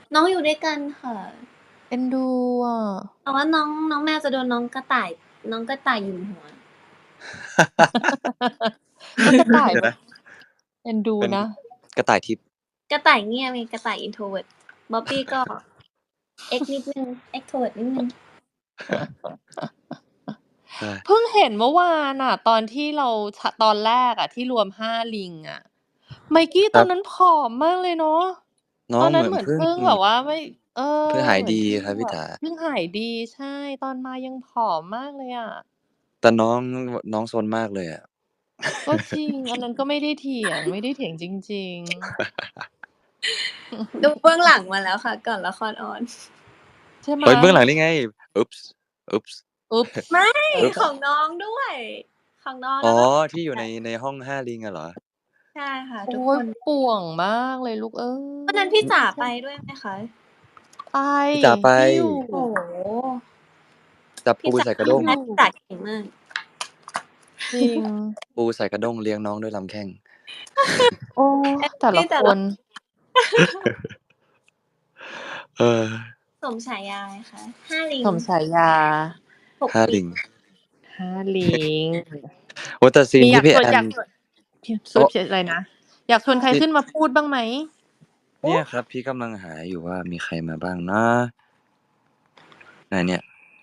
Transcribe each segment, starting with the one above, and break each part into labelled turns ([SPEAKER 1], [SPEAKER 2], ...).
[SPEAKER 1] น้องอยู่ด้วยกันค่ะ
[SPEAKER 2] เอ็นดูอ่ะ
[SPEAKER 1] แต่ว่าน้องแมวจะโดนน้องกระต่ายหยุมหัว
[SPEAKER 2] ก็กระต่าย
[SPEAKER 3] เดี๋ยว
[SPEAKER 2] แบบ
[SPEAKER 3] นะ
[SPEAKER 2] เอ็นดู
[SPEAKER 3] เป็น
[SPEAKER 2] นะ
[SPEAKER 3] กระต่ายทิพย์
[SPEAKER 1] กระต่ายเงียบไงกระต่าย introvert บ๊อบบี้ก็ X นิดนึง extrovert นิดนึง
[SPEAKER 2] เพิ่งเห็นเมื่อวานอ่ะ ตอนที่เราตอนแรกอ่ะที่รวม5ลิงอ่ะ ไมกี้
[SPEAKER 3] ค
[SPEAKER 2] ต
[SPEAKER 3] รั
[SPEAKER 2] อบ นนั้นผอมมากเลยเนาะ
[SPEAKER 3] น้อ
[SPEAKER 2] ตอง น
[SPEAKER 3] เห
[SPEAKER 2] นั้
[SPEAKER 3] มื
[SPEAKER 2] น
[SPEAKER 3] อน
[SPEAKER 2] เหมือน
[SPEAKER 3] เพิ่ง
[SPEAKER 2] เพิ่งแบบว่าไม่
[SPEAKER 3] เพิ่งหาย
[SPEAKER 2] เหมือน
[SPEAKER 3] ดี
[SPEAKER 2] เพิ่ง
[SPEAKER 3] ครับพี่
[SPEAKER 2] แบบ
[SPEAKER 3] จ๋า
[SPEAKER 2] เพิ่งหายดี ใช่ ตอนมายังผอมมากเลยอะ
[SPEAKER 3] แต่น้องซนมากเลยอะ
[SPEAKER 2] ก็จริง อันนั้นก็ไม่ได้เถียง ไม่ได้เถียงจริง ๆ
[SPEAKER 1] ดูเบื้องหลังมาแล้วค่ะ ก่อนละครออน
[SPEAKER 2] ใช่ไหม?
[SPEAKER 3] เฮ้ย เบื้องหลังนี่ไง Oops Oops
[SPEAKER 2] Oops
[SPEAKER 1] ไม่
[SPEAKER 3] Oops
[SPEAKER 1] ของน้องด้วย ของน้อง
[SPEAKER 3] อ๋
[SPEAKER 1] แล้ว
[SPEAKER 3] อ
[SPEAKER 1] ก็
[SPEAKER 3] ที่อยู่ในห้อง 5 ลิงอะเหรอ?
[SPEAKER 1] ใช่ค่ะ
[SPEAKER 2] โอ
[SPEAKER 1] ทุก
[SPEAKER 2] ๊
[SPEAKER 1] ค
[SPEAKER 2] ย
[SPEAKER 1] น
[SPEAKER 2] ป่วงมากเลยลูกเอ้ย
[SPEAKER 1] วันนั้นพี่จ๋าไปด้วยไหมคะ?
[SPEAKER 2] ไป
[SPEAKER 3] พี่จ๋าไป
[SPEAKER 2] พี่อยู่
[SPEAKER 1] โอ้โฮ
[SPEAKER 3] จับ
[SPEAKER 1] พี่
[SPEAKER 3] ปู
[SPEAKER 1] จ๋า
[SPEAKER 3] ใส่กระด้ง
[SPEAKER 1] พี่จ๋าเก่งมาก
[SPEAKER 2] จริง
[SPEAKER 3] ปูใส่กระด้งเลี้ยงน้องด้วยลำแข้ง
[SPEAKER 2] โอ้ แต่ละคน
[SPEAKER 3] เออ
[SPEAKER 1] สมฉายาไงคะ 5 ลิง
[SPEAKER 2] สมฉายา
[SPEAKER 1] 6
[SPEAKER 3] 5 ลิง
[SPEAKER 2] 5 ลิง
[SPEAKER 3] โอ้ แต่ซีน
[SPEAKER 2] มีอ
[SPEAKER 3] ที่
[SPEAKER 2] ยาก
[SPEAKER 3] พี่
[SPEAKER 2] ชวน
[SPEAKER 3] แอน
[SPEAKER 2] อยากชวน
[SPEAKER 3] โอ๊ะ
[SPEAKER 2] อะไรนะ อยากชวนใคร
[SPEAKER 3] พี่
[SPEAKER 2] ขึ้นมาพูดบ้างไหม?
[SPEAKER 3] เนี่ยครับ พี่กำลังหาอยู่ว่ามีใครมาบ้างนะ เนี่ย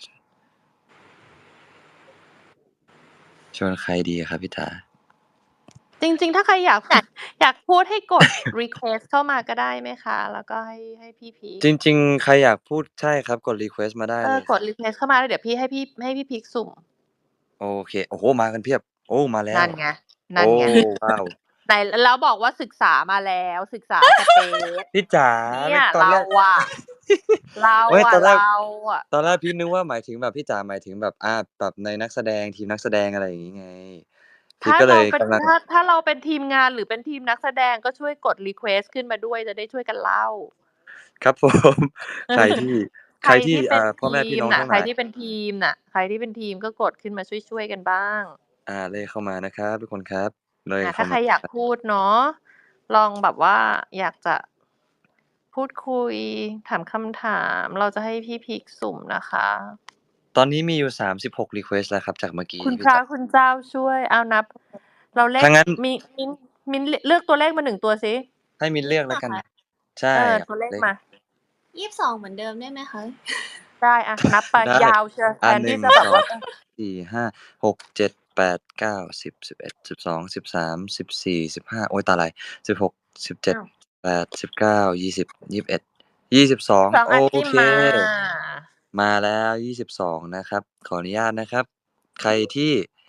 [SPEAKER 3] ชวนใครดีอะครับพี่จ๋า?
[SPEAKER 2] จริง ๆ ถ้าใครอยาก อยากพูดให้กด รีเควสต์เข้ามาก็ได้ไหมคะ? แล้วก็ให้พี่พีค
[SPEAKER 3] จริง ๆ ใครอยากพูด ใช่ครับ กดรีเควสต์มาได้เลย
[SPEAKER 2] กด รีเควสต์ เข้ามาแล้วเดี๋ยวพี่ให้พี่พีคสุ่ม
[SPEAKER 3] โอเค โอ้โฮ มากันเพียบ โอ้ มาแล้
[SPEAKER 2] นั่
[SPEAKER 3] ว
[SPEAKER 2] นไง
[SPEAKER 3] โอ้ ว้าว
[SPEAKER 2] ไหน แล้วบอกว่าศึกษามาแล้ว ศึกษา สเปซ
[SPEAKER 3] พี่จ๋า
[SPEAKER 2] เนี่ย
[SPEAKER 3] ตอนแรก
[SPEAKER 2] เราอะ
[SPEAKER 3] ไม่ ตอนแรก
[SPEAKER 2] เราอะ
[SPEAKER 3] ตอนแรกพี่นึกว่าหมายถึงแบบพี่จ๋าหมายถึงแบบ แบบในนักแสดง ทีมนักแสดง อะไรอย่างงี้ไง พี่
[SPEAKER 2] ถ้า
[SPEAKER 3] ก็เล
[SPEAKER 2] เรา
[SPEAKER 3] ย
[SPEAKER 2] เป็น
[SPEAKER 3] กำลัง
[SPEAKER 2] ถ้าเราเป็นทีมงานหรือเป็นทีมนักแสดงก็ช่วยกดรีเควสต์ขึ้นมาด้วย จะได้ช่วยกันเล่า
[SPEAKER 3] ครับ ผม ใครที่
[SPEAKER 2] ใครที่เป็น
[SPEAKER 3] พ่อแม่
[SPEAKER 2] ท
[SPEAKER 3] พี่
[SPEAKER 2] ี
[SPEAKER 3] น
[SPEAKER 2] ม้
[SPEAKER 3] อง
[SPEAKER 2] น่ะ
[SPEAKER 3] ทั้ง
[SPEAKER 2] ใคร
[SPEAKER 3] หลาย
[SPEAKER 2] ที่เป็นทีมน่ะ ใครที่เป็นทีมก็กดขึ้นมาช่วย ๆ กันบ้าง
[SPEAKER 3] เลขเข้ามานะครับทุกคนครับ เลข
[SPEAKER 2] ถ้า
[SPEAKER 3] เข้า
[SPEAKER 2] ใค
[SPEAKER 3] ม
[SPEAKER 2] รอยากพูดเนาะ ลองแบบว่าอยากจะพูดคุย ถามคำถาม เราจะให้พี่พีคสุ่มนะคะ
[SPEAKER 3] ตอนนี้มีอยู่ 36 รีเควสต์แล้วครับ จากเมื่อกี้
[SPEAKER 2] คุณ
[SPEAKER 3] พี่
[SPEAKER 2] พระ
[SPEAKER 3] จ๋า
[SPEAKER 2] คุณเจ้าช่วย เอานับ เราเลข
[SPEAKER 3] ถ้างั้น
[SPEAKER 2] มิ้น เลือกตัวเลขมา 1 ตัวสิ
[SPEAKER 3] ให้มิ้นเลือกแล้วกัน ใช่
[SPEAKER 2] ตัวเลข
[SPEAKER 3] เลข
[SPEAKER 2] มา
[SPEAKER 1] 22 เหมือนเดิมได้ไหมคะ?
[SPEAKER 2] ได้อะ นับไป
[SPEAKER 3] ได้
[SPEAKER 2] ยาวเชียว แทนที่จะ
[SPEAKER 3] 1
[SPEAKER 2] แบบว่า
[SPEAKER 3] 2 4 5 6 7 8 9 10 11 12 13 14 15 โอ๊ย ตาลาย 16 17
[SPEAKER 1] อ้าว
[SPEAKER 3] 18 19 20 21 22
[SPEAKER 2] 2
[SPEAKER 3] โอ
[SPEAKER 2] อากี้
[SPEAKER 3] เค
[SPEAKER 2] มา
[SPEAKER 3] มาแล้ว 22 นะครับ ขออนุญาตนะครับ ใครที่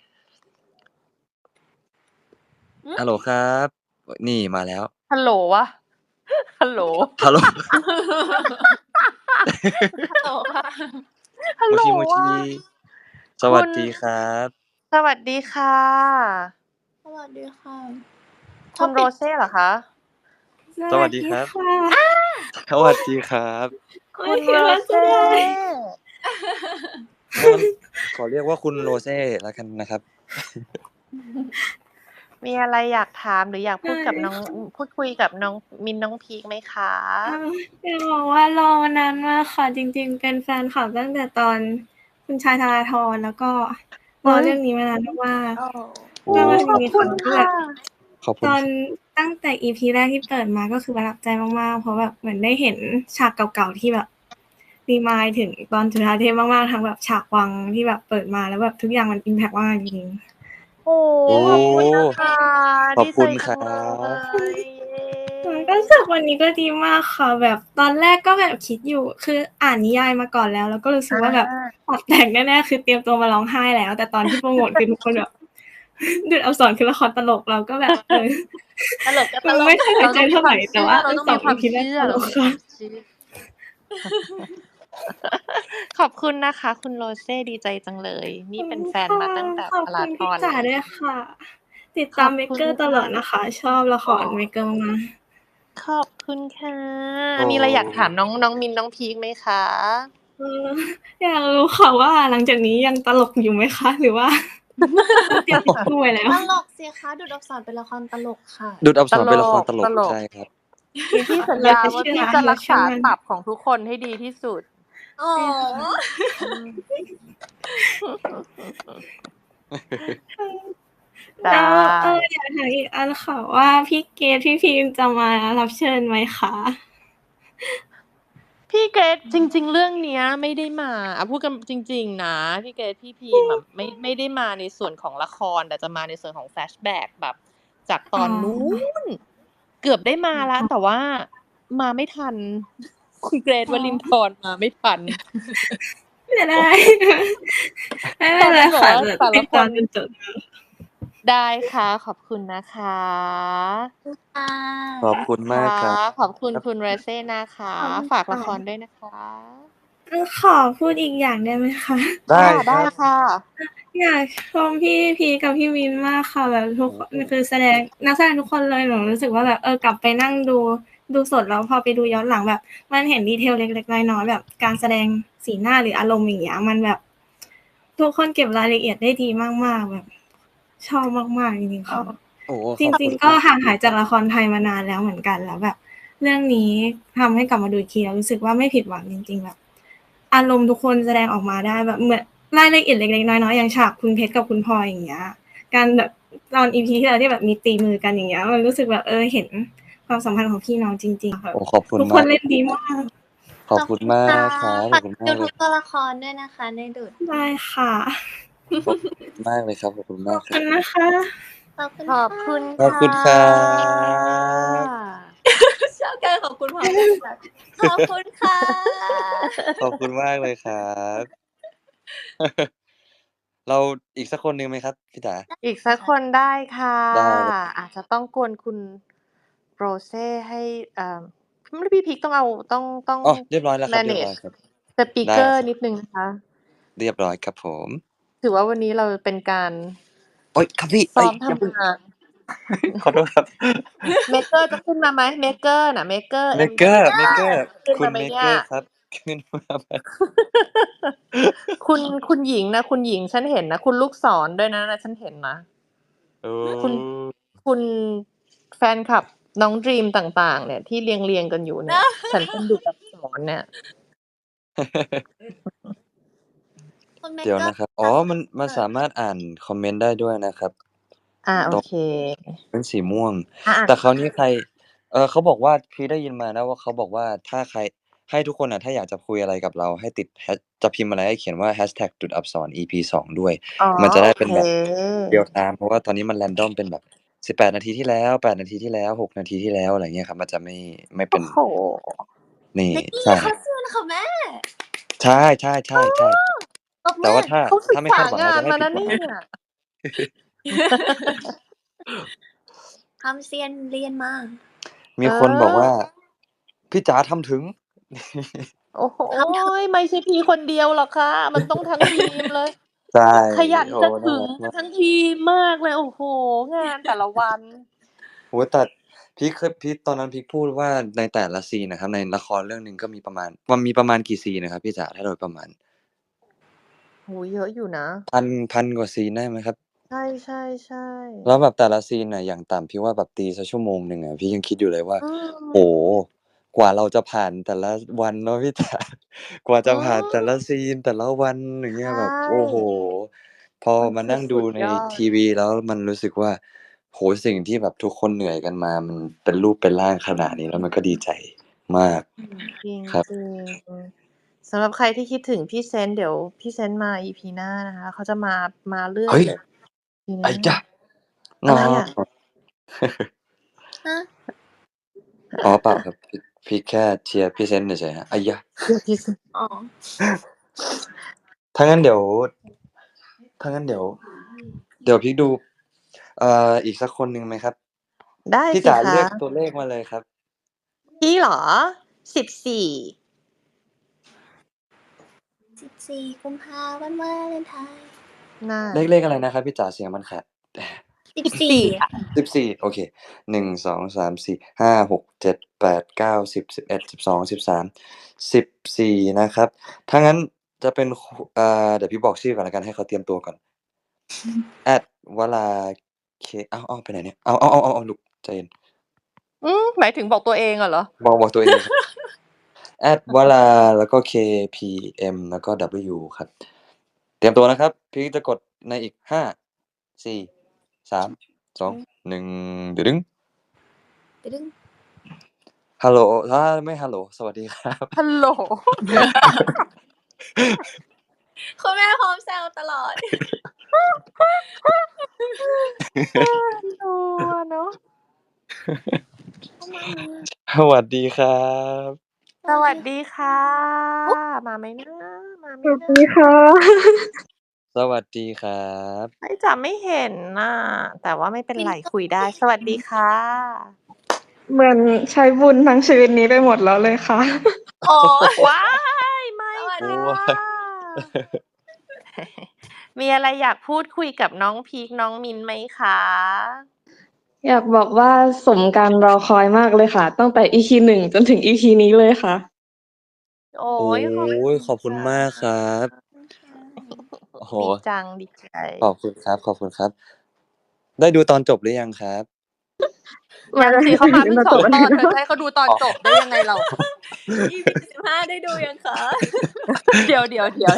[SPEAKER 1] หือ?
[SPEAKER 3] ฮัลโหลครับ นี่มาแล้ว
[SPEAKER 2] ฮัลโหลวะ ฮัลโหล
[SPEAKER 3] ฮัลโหล
[SPEAKER 1] ฮัลโหลค่ะ
[SPEAKER 2] ฮัล
[SPEAKER 3] โม
[SPEAKER 2] โหล
[SPEAKER 3] ชิ โม
[SPEAKER 2] ว
[SPEAKER 3] ชิ สวัสดีครับ
[SPEAKER 2] สวัสดีค่ะ
[SPEAKER 1] สวัสดีค่ะ
[SPEAKER 2] คุณโรเซ่เหรอคะ?
[SPEAKER 3] สวัสดีครับ
[SPEAKER 1] ค่ะ
[SPEAKER 3] สวัสดีครับ
[SPEAKER 2] คุณโรเซ่
[SPEAKER 3] ขอเรียกว่าคุณโรเซ่แล้วกันนะครับ
[SPEAKER 2] มีอะไรอยากถามหรืออยากพูดกับน้อง พูดคุยกับน้องมิ้น น้องพีคไหมคะ?
[SPEAKER 4] อยากบอกว่ารอมานานมากค่ะ จริง ๆ เป็นแฟนคลับตั้งแต่ตอนคุณชาย ธาราธร แล้วก็รอเรื่องนี้มานานมาก
[SPEAKER 2] โอ้
[SPEAKER 4] ๆ ก็มาถึ
[SPEAKER 2] ข
[SPEAKER 4] ง
[SPEAKER 2] อบ
[SPEAKER 4] มี
[SPEAKER 2] คุ
[SPEAKER 4] ควา
[SPEAKER 2] ณ
[SPEAKER 4] มที่
[SPEAKER 2] ค่
[SPEAKER 4] แบบ
[SPEAKER 2] ะ
[SPEAKER 3] ขอบคุ
[SPEAKER 4] ต
[SPEAKER 3] ณ
[SPEAKER 4] อนตั้งแต่ EP แรกที่เปิดมาก็คือประทับใจมาก ๆ เพราะแบบเหมือนได้เห็นฉากเก่า ๆ ที่แบบ remind ถึงตอนจุฑาเทพมาก ๆ ทั้งแบบฉากวังที่แบบเปิดมาแล้วแบบทุกอย่างมันอิมแพกมากจริง ๆ
[SPEAKER 2] โอ้โฮ ขอบคุณนะคะ
[SPEAKER 3] ขอบ
[SPEAKER 2] ดี
[SPEAKER 3] คุ
[SPEAKER 2] ใจ
[SPEAKER 3] ณ
[SPEAKER 2] จั
[SPEAKER 3] ครั
[SPEAKER 2] งเลย
[SPEAKER 3] บ
[SPEAKER 4] ก็รู้สึกวันนี้ก็ดีมากค่ะ แบบตอนแรกก็แบบคิดอยู่ คืออ่านนิยายมาก่อนแล้ว แล้วก็รู้สึกว่าแบบปรับแต่งแน่ ๆ คือเตรียมตัวมาร้องไห้แล้ว แต่ตอนที่โพรโมตคือทุกคนแบบ ดูดอักษรคือละครตลก เราก็แบบ
[SPEAKER 2] ตลกก็ตลก
[SPEAKER 4] ไม่ค่อยไว้ใจเท่าไร แต่ว่า
[SPEAKER 2] เราต้องมีความ
[SPEAKER 4] 2 EP
[SPEAKER 2] เชื่อ
[SPEAKER 4] แรกตลกค่ะ
[SPEAKER 2] ขอบคุณนะคะ คุณโรเซ่ ดีใจจังเลย นี่เป็นแฟนมาตั้งแต่
[SPEAKER 4] ขอบ
[SPEAKER 2] ธารา
[SPEAKER 4] คุณ
[SPEAKER 2] ธ
[SPEAKER 4] พี่
[SPEAKER 2] ร
[SPEAKER 4] จ๋า
[SPEAKER 2] เลย
[SPEAKER 4] ด้วยค่ะ ติด
[SPEAKER 2] ข
[SPEAKER 4] ตาม
[SPEAKER 2] อบคุณ
[SPEAKER 4] Maker ตลอด
[SPEAKER 2] ค่ะ
[SPEAKER 4] นะคะ ชอบละคร Maker มาก ๆ
[SPEAKER 2] ขอบคุณค่ะ
[SPEAKER 3] โอ้
[SPEAKER 2] มีอะไรอยากถามน้อง มิ้น น้องพีคไหมคะ?
[SPEAKER 4] อยากรู้ค่ะว่าหลังจากนี้ยังตลกอยู่ไหมคะ? หรือว่า ต้องเตรียมทิชชู่ไว้แล้ว
[SPEAKER 1] ตลกสิคะ ดูดอักษรเป็นละครตลกค่ะ
[SPEAKER 3] ดูดอักษรเป็นละครตลก
[SPEAKER 2] ตลก
[SPEAKER 3] ใช่ครับ
[SPEAKER 2] พี่สัญญาว่าพี่จะรักษาตับของทุกคนให้ดีที่สุด
[SPEAKER 1] โอ้
[SPEAKER 2] ได้
[SPEAKER 4] แล้วอยากถามอีกอันค่ะว่าพี่เกดพี่พิมพ์จะมารับเชิญไหมคะ
[SPEAKER 2] พี่เกรดจริง ๆ เรื่องเนี้ยไม่ได้มาพูดกันจริง ๆ นะพี่เกรดพี่พีมแบบไม่ได้มาในส่วนของละครแต่จะมาในส่วนของแฟลชแบ็กแบบจากตอนนู้นเกือบได้มาแล้ว แต่ว่ามาไม่ทันคุณเกรดวลินทร์มาไม่ทัน
[SPEAKER 4] ไม่ได้ไม่เป็นไรค่ะ
[SPEAKER 2] แต่ละคน
[SPEAKER 4] ติดตามจนจบ
[SPEAKER 2] ได้ค่ะขอบคุณนะคะ
[SPEAKER 1] ค่ะ
[SPEAKER 3] ขอบคุณมากครับ
[SPEAKER 2] ขอบคุณคุณเรเซ่นะคะ ฝากละครด้วยนะคะ
[SPEAKER 4] ขอพูดอีกอย่างได้ไหมคะ
[SPEAKER 2] ได้ค่ะ
[SPEAKER 4] อยากชมพี่พีกับพี่วินมากค่ะแบบทุกคนคือนักแสดงทุกคนเลยหนูรู้สึกว่าแบบกลับไปนั่งดูสดแล้วพอไปดูย้อนหลังแบบมันเห็นดีเทลเล็กๆน้อยๆแบบการแสดงสีหน้าหรืออารมณ์อย่างเงี้ยมันแบบทุกคนเก็บรายละเอียดได้ดีมากๆแบบชอบมากๆจริงๆค่ะ
[SPEAKER 3] โอ้โห
[SPEAKER 4] จริงๆก็ห่างหายจากละครไทยมานานแล้วเหมือนกันแล้วแบบเรื่องนี้ทำให้กลับมาดูอีกทีแล้วรู้สึกว่าไม่ผิดหวังจริงๆแบบอารมณ์ทุกคนแสดงออกมาได้แบบเหมือนรายละเอียดเล็กๆน้อยๆอย่างฉากคุณเพชรกับคุณพลอยอย่างเงี้ยการแบบตอน EP ที่แล้วที่แบบมีตีมือกันอย่างเงี้ยมันรู้สึกแบบเห็นความสัมพันธ์ของพี่น้องจริงๆค่ะ
[SPEAKER 3] โอ้ขอบคุณ
[SPEAKER 4] ทุกคน
[SPEAKER 3] มาก
[SPEAKER 4] เล่นดีมาก
[SPEAKER 3] ขอบคุณมากครับข
[SPEAKER 1] ฝา
[SPEAKER 3] อก บคุณ
[SPEAKER 1] ดู
[SPEAKER 3] มากเล
[SPEAKER 1] ทุ
[SPEAKER 3] ย
[SPEAKER 1] กตัวละครด้วยนะคะในดุด
[SPEAKER 4] ได้ค่ะ
[SPEAKER 3] ขอบคุณมากเลยครับขอบคุณ
[SPEAKER 4] ข
[SPEAKER 3] มา
[SPEAKER 4] อก บ
[SPEAKER 3] ค
[SPEAKER 4] คุ
[SPEAKER 3] รับ
[SPEAKER 4] ณนะคะ
[SPEAKER 1] ขอบคุณ
[SPEAKER 2] ขอบคุณ
[SPEAKER 3] ขอบคุณครับ
[SPEAKER 1] ชอบการขอบคุณพร้อมกันค่ะขอบคุณค่ะ
[SPEAKER 3] ขอบคุณมากเลยครับ เราอีกสักคนหนึ่งไหมครับพี่จ๋า
[SPEAKER 2] อีกสักคนได้ค่ะ
[SPEAKER 3] ได้
[SPEAKER 2] อาจจะต้องกวนคุณโรเซ่ให้พี่พีคต้องเอาต้อง
[SPEAKER 3] อ๋อเรียบร้อยแล้วครับเรียบร้อย
[SPEAKER 2] manage
[SPEAKER 3] ครับ
[SPEAKER 2] สปีกเกอร์นิดนึงนะคะ
[SPEAKER 3] เรียบร้อยครับผม
[SPEAKER 2] ถือว่าวันนี้เราเป็นการ
[SPEAKER 3] โอ๊ยครับพี่
[SPEAKER 2] ซ้อม
[SPEAKER 3] อย่าเพิ่ง
[SPEAKER 2] ทำงาน
[SPEAKER 3] ขอโทษครับ
[SPEAKER 2] เมเกอร์จะขึ้นมาไหมเมเกอร์น่ะเมเกอร์
[SPEAKER 3] เมเกอร์
[SPEAKER 2] ขึ้น
[SPEAKER 3] คุ
[SPEAKER 2] มา
[SPEAKER 3] ณ
[SPEAKER 2] ไหม
[SPEAKER 3] เม
[SPEAKER 2] เนี่
[SPEAKER 3] เก
[SPEAKER 2] ย
[SPEAKER 3] อร์ครับขึ้นมาไหม
[SPEAKER 2] คุณหญิงนะคุณหญิงฉันเห็นนะคุณลูกศรด้วยนะฉันเห็นนะ
[SPEAKER 3] โอ้
[SPEAKER 2] คุณแฟนคลับน้องดรีมต่างๆ เนี่ยที่เรียงกันอยู่เนี่ย ฉันเป็นดูอักษรเนี่ย
[SPEAKER 1] คุณเม
[SPEAKER 3] เดี๋ยว
[SPEAKER 1] เกอร์
[SPEAKER 3] นะครับ อ๋อมันสามารถอ่านคอมเมนต์ได้ด้วยนะครับ
[SPEAKER 2] โอเค
[SPEAKER 3] เป็นสีม่วง
[SPEAKER 2] อ่ะ
[SPEAKER 3] แต่คราวนี้ใครเขาบอกว่าพี่ได้ยินมานะว่าเขาบอกว่าถ้าใครให้ทุกคนถ้าอยากจะคุยอะไรกับเราให้ติดจะพิมพ์อะไรให้เขียนว่า #จุดอักษร EP 2 ด้วย
[SPEAKER 2] อ๋อ
[SPEAKER 3] มันจะได้เป็นแบบ
[SPEAKER 2] โอเค
[SPEAKER 3] เรียลไทม์เพราะว่าตอนนี้มันแรนดอมเป็นแบบ18 นาทีที่แล้ว8 นาทีที่แล้ว6 นาทีที่แล้วอะไรเงี้ยครับมันจะไม่เป็น
[SPEAKER 2] โอ้โห
[SPEAKER 3] นี่
[SPEAKER 1] นี่
[SPEAKER 3] ใช่
[SPEAKER 1] เขาเชื่อนะคะแม่
[SPEAKER 3] ใช่ใช่ใช่ใช่
[SPEAKER 1] ตบมื
[SPEAKER 3] แต่
[SPEAKER 1] อ
[SPEAKER 3] ว่าถ้า
[SPEAKER 2] เขาศึก
[SPEAKER 3] ไม่
[SPEAKER 2] ษา
[SPEAKER 3] คาดหวัง
[SPEAKER 2] งา
[SPEAKER 3] เรา
[SPEAKER 2] น
[SPEAKER 3] จะไม่
[SPEAKER 2] มา
[SPEAKER 3] ผิ
[SPEAKER 2] นะ
[SPEAKER 3] ดหวัง
[SPEAKER 2] เนี่ย
[SPEAKER 1] ทำเซียนเรียนมา
[SPEAKER 3] มีคนบอกว่า พี่จ๋าทำถึง
[SPEAKER 2] โอ้โหไม่ใช่พี่คนเดียวหรอกค่ะ มันต้องทั้งทีมเลย
[SPEAKER 3] ใช่
[SPEAKER 2] ขยันจะถึง
[SPEAKER 3] โอ้น่ารักมาก
[SPEAKER 2] ทั้งทีมมากเลย โอ้โห งานแต่ละวัน
[SPEAKER 3] โอ้แต่พีคตอนนั้นพีคพูดว่าในแต่ละซีนนะครับในละครเรื่องหนึ่งก็มีประมาณกี่ซีนนะครับพี่จ๋าถ้าโดยประมาณ
[SPEAKER 2] โหเยอะอยู่นะ
[SPEAKER 3] พันกว่าซีนได้ไหมครับ
[SPEAKER 2] ใช่ใช่ใช่
[SPEAKER 3] แล้วแบบแต่ละซีนน่ะอย่างต่ำพี่ว่าแบบตีสักชั่วโมงหนึ่งอ่ะพี่ยังคิดอยู่เลยว่า
[SPEAKER 2] อืม
[SPEAKER 3] โอ้กว่าเราจะผ่านแต่ละวันเนาะพี่จ๋ากว่าจะผ่านแต่ละซีนแต่ละวันอย่างเงี้ยแบบ
[SPEAKER 2] ใช่
[SPEAKER 3] โอ้โห พอ
[SPEAKER 2] มัน
[SPEAKER 3] มานั่งดู
[SPEAKER 2] สุด
[SPEAKER 3] ใน
[SPEAKER 2] ยอด
[SPEAKER 3] ทีวีแล้วมันรู้สึกว่าโหสิ่งที่แบบทุกคนเหนื่อยกันมามันเป็นรูปเป็นร่างขนาดนี้แล้วมันก็ดีใจมาก
[SPEAKER 2] จริง
[SPEAKER 3] ครับ
[SPEAKER 2] จริงสำหรับใครที่คิดถึงพี่เซนต์เดี๋ยวพี่เซนต์มา EP หน้านะคะเขาจะมาเรื่อย
[SPEAKER 3] เฮ้ย
[SPEAKER 2] เลย EP ห
[SPEAKER 3] ไอ้
[SPEAKER 2] น้า
[SPEAKER 3] จ้ะ
[SPEAKER 2] อะไรอะ
[SPEAKER 1] ฮะ
[SPEAKER 3] อ๋อเปล่าครับพี่แค่เชียร์พี่เซนต์เฉยๆฮะไอ้ยะ
[SPEAKER 2] เดี๋ยวพี่เซนต์
[SPEAKER 1] อ๋อ
[SPEAKER 3] ถ้างั้นเดี๋ยวพี่ดูอีกสักคนหนึ่งไหมครับ
[SPEAKER 2] ได้
[SPEAKER 3] พี่
[SPEAKER 2] สิ
[SPEAKER 3] จ๋า
[SPEAKER 2] คะ
[SPEAKER 3] เลือกตัวเลขมาเลยครับ
[SPEAKER 2] พี่เหรอ 14
[SPEAKER 1] 14 กุมภาพันธ์วันวาเลนไทน์
[SPEAKER 2] น่า
[SPEAKER 3] เลขอะไรนะครับพี่จ๋าเสียงมันขาด
[SPEAKER 1] 14 ค่ะ
[SPEAKER 3] 14โอเค1 2 3 4 5 6 7 8 9 10 11 12 13 14นะครับถ้างั้นจะเป็นเดี๋ยวพี่บอกชื่อก่อนแล้วกันให้เขาเตรียมตัวก่อน @วราเคไปไหนเนี่ยเอาลูกใจเย็น
[SPEAKER 2] หมายถึงบอกตัวเองเหรอ
[SPEAKER 3] บอกตัวเองครับวลาแล้วก็ KPM แล้วก็ W ครับ เตรียมตัวนะครับ พี่จะกดในอีก5 4 3 2 1ดึง
[SPEAKER 1] ไปดึง
[SPEAKER 3] ฮัลโหลถ้าไม่ฮัลโหลสวัสดีครับ
[SPEAKER 2] ฮัลโหล
[SPEAKER 1] คุณแม่พร้อมแซวตลอด
[SPEAKER 2] ตัวเนาะ
[SPEAKER 3] สวัสดีครับ
[SPEAKER 2] สวัสดีค่ะ มาไหมนะมาไหม
[SPEAKER 4] สวัส
[SPEAKER 2] นะ
[SPEAKER 4] ดีค่ะ
[SPEAKER 3] สวัสดีครับ
[SPEAKER 2] ไอ้จ๋าไม่เห็นน่ะ แต่ว่าไม่เป็นไรคุยได้ สวัสดีค่ะ
[SPEAKER 4] เหมือนใช้บุญทั้งชีวิตนี้ไปหมดแล้วเลยค่ะ
[SPEAKER 1] โอ้ย
[SPEAKER 2] ว้ายไม่
[SPEAKER 1] สวัสดี
[SPEAKER 2] ค่ะ มีอะไรอยากพูดคุยกับน้องพีคน้องมินไหมคะ
[SPEAKER 4] อยากบอกว่าสมการรอคอยมากเลยค่ะ ตั้งแต่ EP 1 จนถึง EP นี้เลยค่ะ
[SPEAKER 2] โอ้
[SPEAKER 3] โอ้
[SPEAKER 2] ย
[SPEAKER 3] ขอบคุณมากครับ โอ้โห
[SPEAKER 2] ดีจังดีใจ
[SPEAKER 3] ขอบคุณครับ ได้ดูตอนจบหรือยังครับ
[SPEAKER 2] ยังสิเขามาเพิ่ง2 ตอนเธอจะให้เขาดูตอนจบได้ยังไงเรา
[SPEAKER 1] EP 15ได้ดูยังคะ
[SPEAKER 2] เดี๋ยว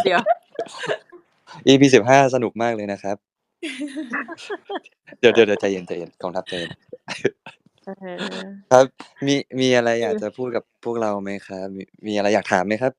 [SPEAKER 3] EP 15สนุกมากเลยนะครับ เดี๋ยวใจเย็นกองทัพใจเย็น ครับ มีอะไรอยากจะพูดกับพวกเราไหมครับ มีอะไรอยากถามไหมครับ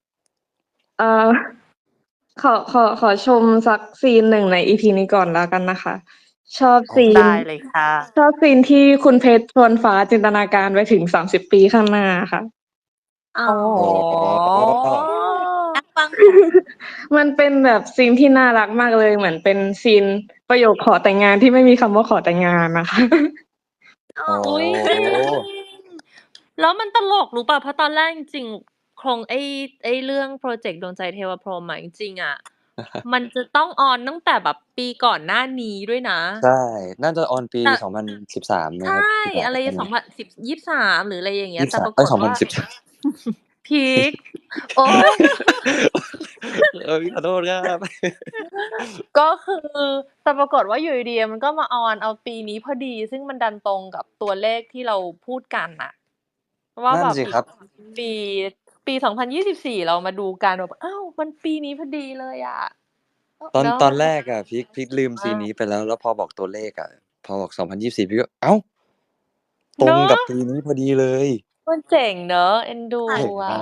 [SPEAKER 4] ขอชมสักซีนหนึ่งใน EP นี้ก่อนแล้วกันนะคะ ชอบซีน
[SPEAKER 2] ได้เลยค่ะ
[SPEAKER 4] ชอบซีนที่คุณเพชรชวนฟ้าจินตนาการไปถึง30 ปีข้างหน้าค่ะ
[SPEAKER 1] อ๋อ
[SPEAKER 2] โอ้โห
[SPEAKER 1] นักฟังค่ะ
[SPEAKER 4] มันเป็นแบบซีนที่น่ารักมากเลย เหมือนเป็นซีนประโยคขอแต่งงานที่ไม่มีคำว่าขอแต่งงานนะคะ
[SPEAKER 1] อ๋อ
[SPEAKER 3] โอ้
[SPEAKER 2] อุ๊ยจริงแล้วมันตลกรู้ป่ะเพราะตอนแรกจริงๆโครงไอ้เรื่องโปรเจกต์ดวงใจเทวพรหมอะจริงๆอ่ะ มันจะต้องออนตั้งแต่แบบปีก่อนหน้านี้ด้วยนะ
[SPEAKER 3] ใช่ น่าจะออนปี
[SPEAKER 2] แต่
[SPEAKER 3] 2013ไหม
[SPEAKER 2] ใช
[SPEAKER 3] ครับ
[SPEAKER 2] ่ อะไร
[SPEAKER 3] ใช่ไหม
[SPEAKER 2] 2023หรืออะไรอย่างเงี้ย แต่ปรา
[SPEAKER 3] 23
[SPEAKER 2] กฏว่า
[SPEAKER 3] 2013
[SPEAKER 2] พีคโอ๊ย
[SPEAKER 3] ขอโทษครับ
[SPEAKER 2] ก็คือแต่ปรากฏว่าอยู่ดีๆมันก็มาออนเอาปีนี้พอดี ซึ่งมันดันตรงกับตัวเลขที่เราพูดกันน่ะ ว่า
[SPEAKER 3] นั่
[SPEAKER 2] แบ
[SPEAKER 3] น
[SPEAKER 2] บ
[SPEAKER 3] สิ
[SPEAKER 2] อีก
[SPEAKER 3] ครับ
[SPEAKER 2] ปี 2024 เรามาดูกันแบบอ้าวมันปีนี้พอดีเลยอะ เนาะ
[SPEAKER 3] ตอนแรกอะพีคลืมซีนนี้ไปแล้ว แล้วพอบอกตัวเลขอะพอบอก2024พี่ก็อ้าวตรงกับปีนี้พอดีเลย
[SPEAKER 2] มันเจ๋งเนอะเอ็นดู
[SPEAKER 3] เจ๋ง
[SPEAKER 2] อะ
[SPEAKER 3] มาก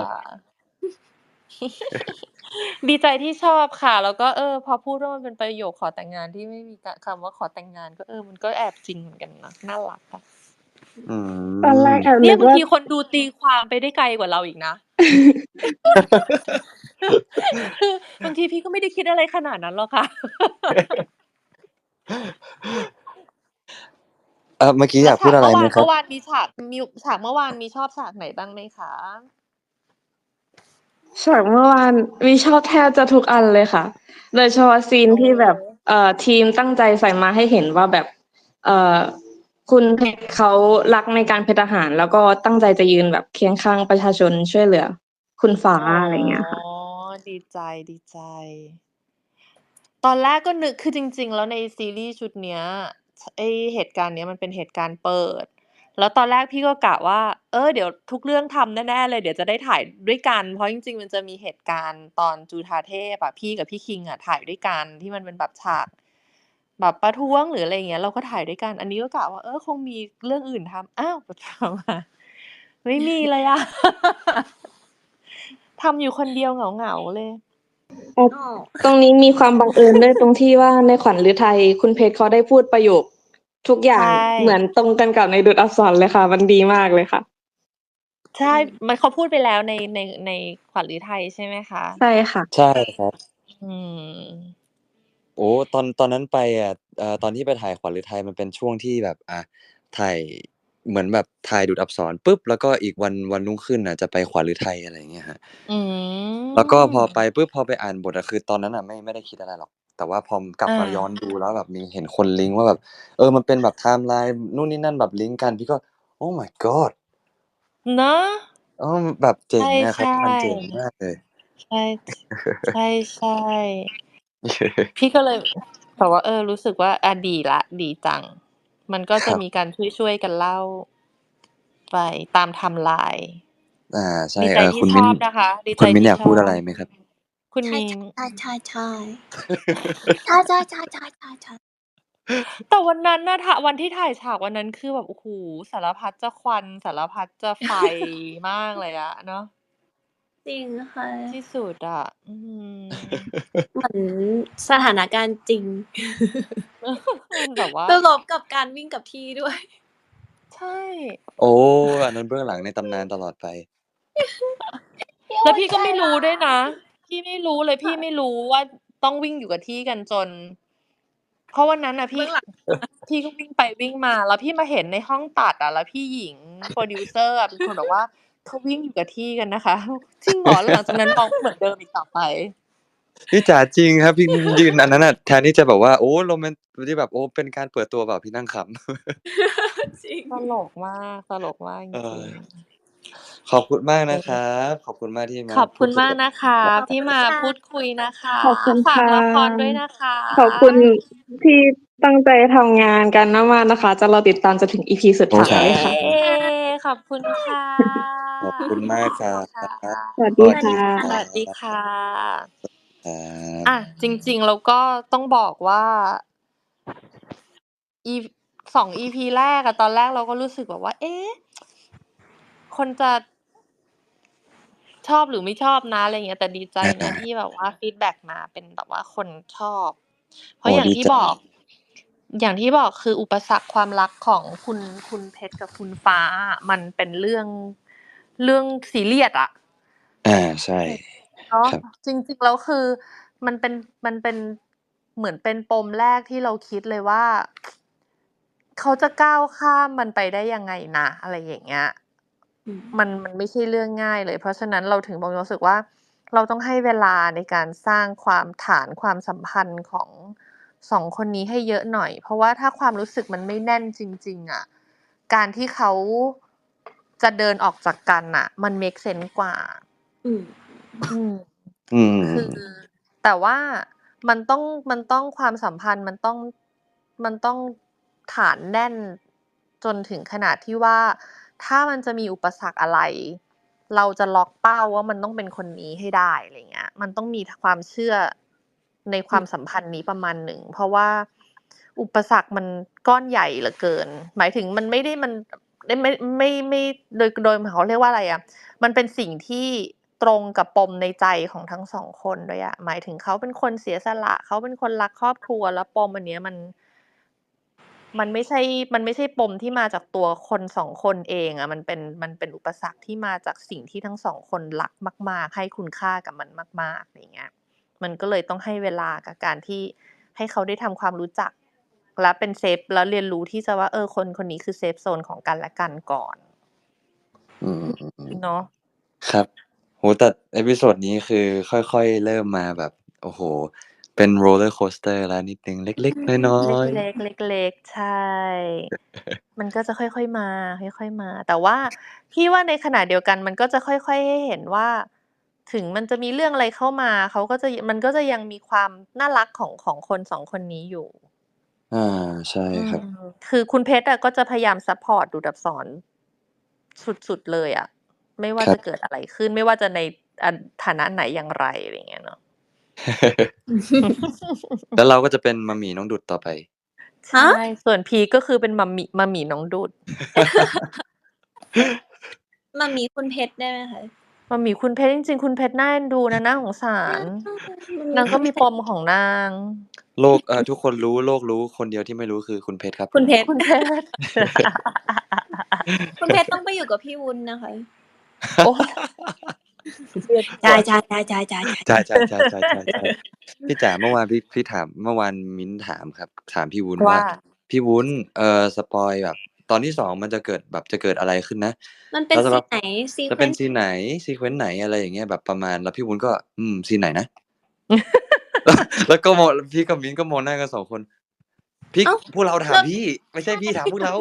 [SPEAKER 2] ดีใจที่ชอบค่ะ แล้วก็พอพูดว่ามันเป็นประโยคขอแต่งงานที่ไม่มีคำว่าขอแต่งงานก็มันก็แอบจริงเหมือนกันนะน่ารักค่ะ
[SPEAKER 4] ตอนแรกแอบ
[SPEAKER 2] เนี่
[SPEAKER 4] นึ
[SPEAKER 2] ย
[SPEAKER 4] ก
[SPEAKER 2] บาง
[SPEAKER 4] ว่า
[SPEAKER 2] ทีคนดูตีความไปได้ไกลกว่าเราอีกนะ คือบางทีพี่ก็ไม่ได้คิดอะไรขนาดนั้นหรอกค่ะ
[SPEAKER 3] เมื่อกี้อยากพูดอะไรไหมครับ
[SPEAKER 2] เมื่อวานมีฉากเมื่อวานมีชอบฉากไหนบ้างไหมคะ
[SPEAKER 4] ฉากเมื่อวานมีชอบแทบจะทุกอันเลยค่ะ โดยเฉพาะซีนที่แบบทีมตั้งใจใส่มาให้เห็นว่าแบบคุณเพชรเขารักในการเป็นทหาร แล้วก็ตั้งใจจะยืนแบบเคียงข้างประชาชนช่วยเหลือ คุณฟ้าอะไรเงี้ยค่ะ
[SPEAKER 2] ดีใจ ตอนแรกก็นึกคือจริงๆแล้วในซีรีส์ชุดเนี้ยไอ้เหตุการณ์เนี้ยมันเป็นเหตุการณ์เปิด แล้วตอนแรกพี่ก็กะว่าเดี๋ยวทุกเรื่องทำแน่ๆเลยเดี๋ยวจะได้ถ่ายด้วยกัน เพราะจริงๆมันจะมีเหตุการณ์ตอนจุฑาเทพอะพี่กับพี่คิงอะถ่ายด้วยกันที่มันเป็นแบบฉากแบบประท้วงหรืออะไรอย่างเงี้ยเราก็ถ่ายด้วยกัน อันนี้ก็กะว่าคงมีเรื่องอื่นทำอ้าวไปมาไม่มีเลยอะ ทำอยู่คนเดียวเหงาๆเลย
[SPEAKER 1] อ๋อ
[SPEAKER 4] ตรงนี้มีความบังเอิญด้วยตรงที่ว่าในขวัญฤทัยคุณเพชรเขาได้พูดประโยคทุกอย่าง
[SPEAKER 2] ใช่
[SPEAKER 4] เหมือนตรงกันกับในดุจอักษรเลยค่ะ มันดีมากเลยค่ะ
[SPEAKER 2] ใช่มันเขาพูดไปแล้วในขวัญฤทัยใช่ไหมคะ
[SPEAKER 4] ใช่ค่ะ
[SPEAKER 3] ใช่ครับ
[SPEAKER 2] อืม
[SPEAKER 3] โอ้ตอนนั้นไปอะตอนที่ไปถ่ายขวัญฤทัยมันเป็นช่วงที่แบบถ่ายเหมือนแบบถ่ายดูดอักษรปุ๊บแล้วก็อีกวันรุ่งขึ้นน่ะจะไปขวัญฤทัยอะไรอย่างเงี้ยครับ
[SPEAKER 2] อืม
[SPEAKER 3] แล้วก็พอไปปุ๊บพอไปอ่านบทอะคือตอนนั้นน่ะไม่ได้คิดอะไรหรอก แต่ว่าพอกลับมาย้อนดูแล้วแบบมีเห็นคนลิงก์ว่าแบบมันเป็นแบบไทม์ไลน์นู่นนี่นั่นแบบลิงก์กันพี่ก็ Oh my god
[SPEAKER 2] เนาะ
[SPEAKER 3] แบบเจ๋งอะครับ
[SPEAKER 2] ใช่
[SPEAKER 3] มันเจ๋งมากเลย
[SPEAKER 2] ใช่ พี่ก็เลยแต่ว่ารู้สึกว่าดีจัง มันก็จะมีการช่วยกันเล่าไปตามไทม์ไลน์
[SPEAKER 3] ใช่
[SPEAKER 2] ดีใจที่
[SPEAKER 3] คุณ
[SPEAKER 2] ช
[SPEAKER 3] มิ้น
[SPEAKER 2] อบนะคะ ดี
[SPEAKER 3] คุ
[SPEAKER 2] ใจ
[SPEAKER 3] ณมิ้น
[SPEAKER 2] ที่
[SPEAKER 3] อยาก
[SPEAKER 2] ช
[SPEAKER 3] พูด
[SPEAKER 2] อ
[SPEAKER 3] อะไร
[SPEAKER 2] บ
[SPEAKER 3] ไหมครับ
[SPEAKER 2] คุณ
[SPEAKER 1] ใช่
[SPEAKER 2] มิ้น
[SPEAKER 1] ใช่ ใช่
[SPEAKER 2] แต่วันนั้นน่ะ วันที่ถ่ายฉากวันนั้นคือแบบ โอ้โฮ สารพัดจะควัน สารพัดจะ ไฟ มากเลยอะเนาะ
[SPEAKER 1] จริงค่ะ
[SPEAKER 2] ที่สุดอะ อื้อฮือ
[SPEAKER 1] เหมือนสถานการณ์จริง
[SPEAKER 2] มันแบบว่า
[SPEAKER 1] จะลบกับการวิ่งกับที่ด้วย
[SPEAKER 2] ใช่
[SPEAKER 3] โอ้ อันนั้นเบื้องหลังในตำนานตลอดไป
[SPEAKER 2] แล้วพี่ก็ไม่รู้ด้วยนะ พี่ไม่รู้เลย พี่ไม่รู้ว่าต้องวิ่งอยู่กับที่กันจน เพราะวันนั้นน่ะ พี่
[SPEAKER 1] เบื้องหลัง
[SPEAKER 2] พี่ก็วิ่งไปวิ่งมา แล้วพี่มาเห็นในห้องตัดอะ แล้วพี่หญิง โพรดิวเซอร์อะ เป็นคนบอกว่า "เขาวิ่งอยู่กับที่กันนะคะ" จริงเหรอ? แล้วหลังจากนั้นน้องก็เหมือนเดิมอีกต่อไป
[SPEAKER 3] พี่จ๋าจริงครับ พี่ยืนอันนั้นน่ะ แทนที่จะแบบว่า โอ้โรแมน ที่แบบ โอ้เป็นการเปิดตัวเปล่า พี่นั่งขำ
[SPEAKER 1] จริง
[SPEAKER 2] ตลกมาก ตลกมากจริง ๆ
[SPEAKER 3] ขอบคุณมากนะครับ ขอบคุณมากที่มา
[SPEAKER 2] ขอบ
[SPEAKER 3] พู
[SPEAKER 2] คุ
[SPEAKER 3] ด
[SPEAKER 2] ณ
[SPEAKER 3] คุย
[SPEAKER 2] มาก
[SPEAKER 3] กับ
[SPEAKER 2] นะคะ
[SPEAKER 1] ขอบ
[SPEAKER 2] ที่
[SPEAKER 1] คุณ
[SPEAKER 2] มา
[SPEAKER 1] ค่ะ
[SPEAKER 2] พูดคุยนะคะ
[SPEAKER 4] ขอบคุณ
[SPEAKER 2] ฝาก
[SPEAKER 4] ค่ะ
[SPEAKER 2] ละครด้วยนะคะ
[SPEAKER 4] ขอบคุณที่ตั้งใจทำงานกันมากๆนะคะ จะรอติดตามจนถึง EP สุด
[SPEAKER 3] โอ้
[SPEAKER 4] ท้า
[SPEAKER 3] ครั
[SPEAKER 4] ย
[SPEAKER 3] บ
[SPEAKER 4] ค่ะ
[SPEAKER 2] เย้ ขอบคุณค่ะ
[SPEAKER 3] ขอบคุณมากครับ
[SPEAKER 2] ค่ะ
[SPEAKER 4] สวัส
[SPEAKER 3] ส
[SPEAKER 4] ดี
[SPEAKER 3] วัส
[SPEAKER 4] ค่
[SPEAKER 3] ดี
[SPEAKER 4] ะ
[SPEAKER 3] ค
[SPEAKER 2] ส
[SPEAKER 3] รั
[SPEAKER 2] วัสดี
[SPEAKER 3] บ
[SPEAKER 2] ค่ะ
[SPEAKER 3] ครับ
[SPEAKER 2] อะ จริง ๆ แล้วก็ต้องบอกว่า 2 EP แรกอะ ตอนแรกเราก็รู้สึกแบบว่า เอ๊ะ คนจะ ชอบหรือไม่ชอบนะ อะไรอย่างเงี้ย แต่ดีใจนะที่แบบว่าฟีดแบ็กมาเป็นแบบว่าคนชอบ เพ
[SPEAKER 3] โอ้
[SPEAKER 2] ราะอย่าง
[SPEAKER 3] ดี
[SPEAKER 2] ที่
[SPEAKER 3] ใจ
[SPEAKER 2] บอก อย่างที่บอกคืออุปสรรคความรักของคุณเพชรกับคุณฟ้าอะ มันเป็นเรื่องซีเรียสอะ
[SPEAKER 3] ใช่
[SPEAKER 2] เนาะ
[SPEAKER 3] ครับ
[SPEAKER 2] จริง ๆ แล้วคือมันเป็นเหมือนเป็นปมแรกที่เราคิดเลยว่า เขาจะก้าวข้ามมันไปได้ยังไงนะ อะไรอย่างเงี้ย
[SPEAKER 1] อืม
[SPEAKER 2] มันไม่ใช่เรื่องง่ายเลย เพราะฉะนั้นเราถึงบอกรู้สึกว่า เราต้องให้เวลาในการสร้างฐานความสัมพันธ์ของ 2 คนนี้ให้เยอะหน่อย เพราะว่าถ้าความรู้สึกมันไม่แน่นจริง ๆ อะ การที่เขาจะเดินออกจากกันน่ะ มันเมกเซนส์กว่า
[SPEAKER 1] อืม
[SPEAKER 2] อืม
[SPEAKER 3] อืม
[SPEAKER 2] คือ แต่ว่ามันต้องความสัมพันธ์มันต้องฐานแน่นจนถึงขนาดที่ว่า ถ้ามันจะมีอุปสรรคอะไร เราจะล็อกเป้าว่ามันต้องเป็นคนนี้ให้ได้ อะไรอย่างเงี้ย มันต้องมีความเชื่อในความสัมพันธ์นี้ประมาณหนึ่ง เพราะว่าอุปสรรคมันก้อนใหญ่เหลือเกิน หมายถึงมันไม่ได้ ไม่โดยเขาเรียกว่าอะไรอะ มันเป็นสิ่งที่ตรงกับปมในใจของทั้ง 2 คนด้วยอะ หมายถึงเขาเป็นคนเสียสละ เขาเป็นคนรักครอบครัว แล้วปมอันเนี้ยมันไม่ใช่ปมที่มาจากตัวคน 2 คนเองอะ มันเป็นอุปสรรคที่มาจากสิ่งที่ทั้ง 2 คนรักมาก ๆ ให้คุณค่ากับมันมาก ๆ อย่างเงี้ย มันก็เลยต้องให้เวลากับการที่ให้เขาได้ทำความรู้จัก และเป็นเซฟ แล้วเรียนรู้ที่จะว่า คนนี้คือเซฟโซนของกันและกันก่อน
[SPEAKER 3] อืม
[SPEAKER 2] เนาะ
[SPEAKER 3] ครับ โอ้โฮ แต่เอพิโซดนี้คือค่อย ๆ เริ่มมาแบบ โอ้โฮ เป็น roller coaster แล้วนิดหนึ่ง เล็ก ๆ น้อย
[SPEAKER 2] เ
[SPEAKER 3] ๆ
[SPEAKER 2] ล็ก ๆ ใช่ มันก็จะค่อย ๆ มา ค่อย ๆ มา แต่ว่าพี่ว่าในขณะเดียวกันมันก็จะค่อย ๆ ให้เห็นว่า ถึงมันจะมีเรื่องอะไรเข้ามา มันก็จะยังมีความน่ารักของคน 2 คนนี้อยู่
[SPEAKER 3] ใช่ครับ
[SPEAKER 2] คือคุณเพชรอะก็จะพยายามซัปพอร์ตดูดอับสรสุด ๆ เลยอะ ไม่ว่า
[SPEAKER 3] ครั
[SPEAKER 2] จะ
[SPEAKER 3] บ
[SPEAKER 2] เกิดอะไรขึ้น ไม่ว่าจะในฐานะไหนอย่างไร อะไรอย่างเงี้ยเนาะ
[SPEAKER 3] แล้วเราก็จะเป็นมัมหมี่น้องดุดต่อไป
[SPEAKER 2] ใช่ ส่วนพีคก็คือเป็นมัมหมี่น้องดุด
[SPEAKER 1] มัมหมี่คุณเพชรได้ไหมคะ?
[SPEAKER 2] มัมหมี่คุณเพชร จริง ๆ คุณเพชรน่าเอ็นดูนะ น่าสงสาร
[SPEAKER 1] มัมหมี่
[SPEAKER 2] นางก็มี
[SPEAKER 1] คุณเพ
[SPEAKER 2] ป
[SPEAKER 1] ชร
[SPEAKER 2] มของนาง
[SPEAKER 3] โลก ทุกคนรู้ โลกรู้ คนเดียวที่ไม่รู้คือคุณเพชรครับ
[SPEAKER 1] คุณเพชร
[SPEAKER 2] คุณเพชร
[SPEAKER 1] คุณเพชรต้องไปอยู่กับพี่วุ้นนะคะ
[SPEAKER 2] โอ๊ย
[SPEAKER 1] ใช่ ๆ ๆ ๆ ๆ
[SPEAKER 3] ใช่ ๆ ๆ ๆ พี่จ๋าเมื่อวานพี่ถาม เมื่อวานมิ้นท์ถามครับ ถามพี่วุ้น
[SPEAKER 2] ว่า
[SPEAKER 3] ว่า พี่วุ้น สปอยล์แบบตอนที่ 2 มันจะเกิดอะไรขึ้นนะ
[SPEAKER 1] มันเป็น
[SPEAKER 3] แล้วสัก
[SPEAKER 1] ซี
[SPEAKER 3] พั
[SPEAKER 1] นไหน
[SPEAKER 3] จะเป็น
[SPEAKER 1] sequence
[SPEAKER 3] ซีนไหน sequence ไหน อะไรอย่างเงี้ย แบบประมาณ แล้วพี่วุ้นก็ ซีนไหนนะ? แล้วก็มอง พี่กับมิ้นท์ก็มองหน้ากัน 2 คน พี่
[SPEAKER 1] อ้าว
[SPEAKER 3] พวกเราถา
[SPEAKER 1] แล้
[SPEAKER 3] ม
[SPEAKER 1] ว
[SPEAKER 3] พี่ ไม่ใช่พี่ถามพวกเรา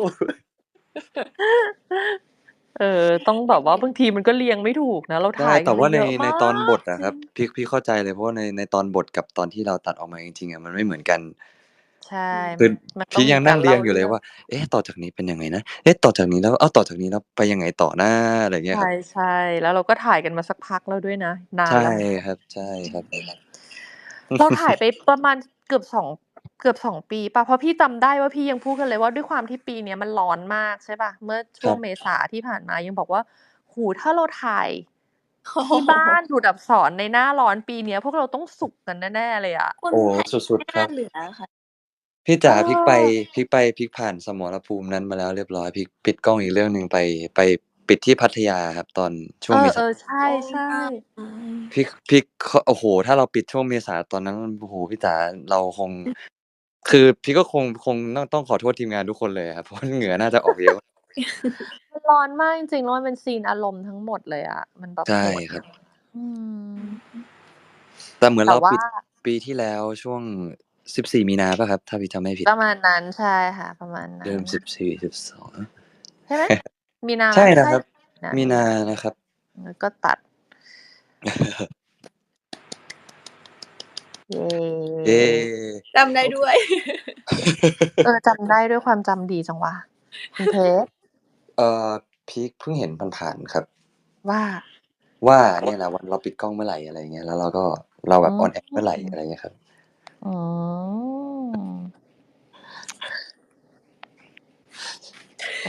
[SPEAKER 2] ต้องแบบว่าบางทีมันก็เรียงไม่ถูกนะ เรา
[SPEAKER 3] ใช่
[SPEAKER 2] ถ่าย
[SPEAKER 3] แต่
[SPEAKER 2] กัน
[SPEAKER 3] ว่า
[SPEAKER 2] มาเยอะ
[SPEAKER 3] ใน
[SPEAKER 2] มา
[SPEAKER 3] ตอนบทอะ
[SPEAKER 2] จ
[SPEAKER 3] ครับ พี่เข้าใจเลย เพราะว่าในตอนบทกับตอนที่เราตัดออกมาจริง ๆ อะ มันไม่เหมือนกัน
[SPEAKER 2] ใช่
[SPEAKER 3] คือ
[SPEAKER 2] มันต้
[SPEAKER 3] พี
[SPEAKER 2] อง
[SPEAKER 3] ค
[SPEAKER 2] มี
[SPEAKER 3] ยัง
[SPEAKER 2] กา
[SPEAKER 3] นั่
[SPEAKER 2] รง
[SPEAKER 3] เรี
[SPEAKER 2] เล่า
[SPEAKER 3] ยงอยู่เล
[SPEAKER 2] เรื่
[SPEAKER 3] ย
[SPEAKER 2] อง
[SPEAKER 3] ว่า เอ๊ะ ต่อจากนี้เป็นยังไงนะ เอ๊ะ ต่อจากนี้แล้ว อ้าว ต่อจากนี้แล้วไปยังไงต่อนะ อะไรอย่างเงี้ยครับ
[SPEAKER 2] ใช่ ๆ แล้วเราก็ถ่ายกันมาสักพักแล้วด้วยนะ นา
[SPEAKER 3] ใช
[SPEAKER 2] น
[SPEAKER 3] ่
[SPEAKER 2] แล้วเหมือนกัน
[SPEAKER 3] ครับ ใช่ครับ
[SPEAKER 2] เราถ่ายไปประมาณเกือบ 2 ปีเปล่า เพราะพี่จำได้ว่าพี่ยังพูดกันเลยว่า ด้วยความที่ปีเนี้ยมันร้อนมาก ใช่เปล่า เมื่อช
[SPEAKER 3] ครั่
[SPEAKER 2] วง
[SPEAKER 3] บ
[SPEAKER 2] เมษาที่ผ่านมายังบอกว่า โอ้โฮ ถ้าเราถ่าย
[SPEAKER 1] โอ้โฮ
[SPEAKER 2] ที่บ้านดูดอักษรในหน้าร้อนปีเนี้ย พวกเราต้องสุกกันแน่ ๆ เลยอะ
[SPEAKER 1] คุณ
[SPEAKER 3] โอ้
[SPEAKER 1] แพท
[SPEAKER 3] สุด
[SPEAKER 1] ไม่
[SPEAKER 3] ๆ ค
[SPEAKER 1] น่า
[SPEAKER 3] รับ
[SPEAKER 1] เหลือค่ะ
[SPEAKER 3] พี่จ๋า
[SPEAKER 2] เออ
[SPEAKER 3] พีคผ่านสมรภูมินั้นมาแล้วเรียบร้อย พีคปิดกล้องอีกเรื่องหนึ่งไปปิดที่พัทยาครับ ตอนช่วงเมษา
[SPEAKER 2] ใช่ ๆ
[SPEAKER 3] พีค โอ้โฮ ถ้าเราปิดช่วงเมษาตอนนั้น โอ้โฮ พี่จ๋า เราคง คือพีคก็คงต้องขอโทษทีมงานทุกคนเลยอะครับ เพราะเหงื่อน่าจะออกเยอะ
[SPEAKER 2] มันร้อนมากจริงๆ แล้วมันเป็นซีนอารมณ์ทั้งหมดเลยอะ มันแบบ
[SPEAKER 3] ใช่
[SPEAKER 2] โหด
[SPEAKER 3] ครับ
[SPEAKER 2] อืม
[SPEAKER 3] แต่เหมือน
[SPEAKER 2] แต่
[SPEAKER 3] เรา
[SPEAKER 2] ว่า
[SPEAKER 3] ปิดปีที่แล้วช่วง 14 มีนาเปล่าครับ ถ้าพีคจำไม่ผิด
[SPEAKER 2] ประมาณนั้น ใช่ค่ะ ประมาณนั้
[SPEAKER 3] เดิ
[SPEAKER 2] น
[SPEAKER 3] ม 14-12
[SPEAKER 2] ใช่ไหม? มีนาไหม?
[SPEAKER 3] ใช่
[SPEAKER 2] ไม่
[SPEAKER 3] นะ
[SPEAKER 2] ใช่
[SPEAKER 3] ครับ
[SPEAKER 2] นะ
[SPEAKER 3] มีนานะครับ
[SPEAKER 2] แล้วก็ตัด เย้
[SPEAKER 3] เย้
[SPEAKER 1] จำได้ด้วย
[SPEAKER 2] จำได้ด้วยความจำดีจังวะ คุณเพชร
[SPEAKER 3] พีคเพิ่งเห็นผ่านๆครับ
[SPEAKER 2] ว่า?
[SPEAKER 3] ว่าเนี่ยแหละวันเราปิดกล้องเมื่อไหร่ อะไรอย่างเงี้ย แล้วเราแบบ
[SPEAKER 2] อื
[SPEAKER 3] ออนแอร์เมื่อไหร่
[SPEAKER 2] ม
[SPEAKER 3] อะไรอย่างเงี้ยครับ
[SPEAKER 2] อืม โอ้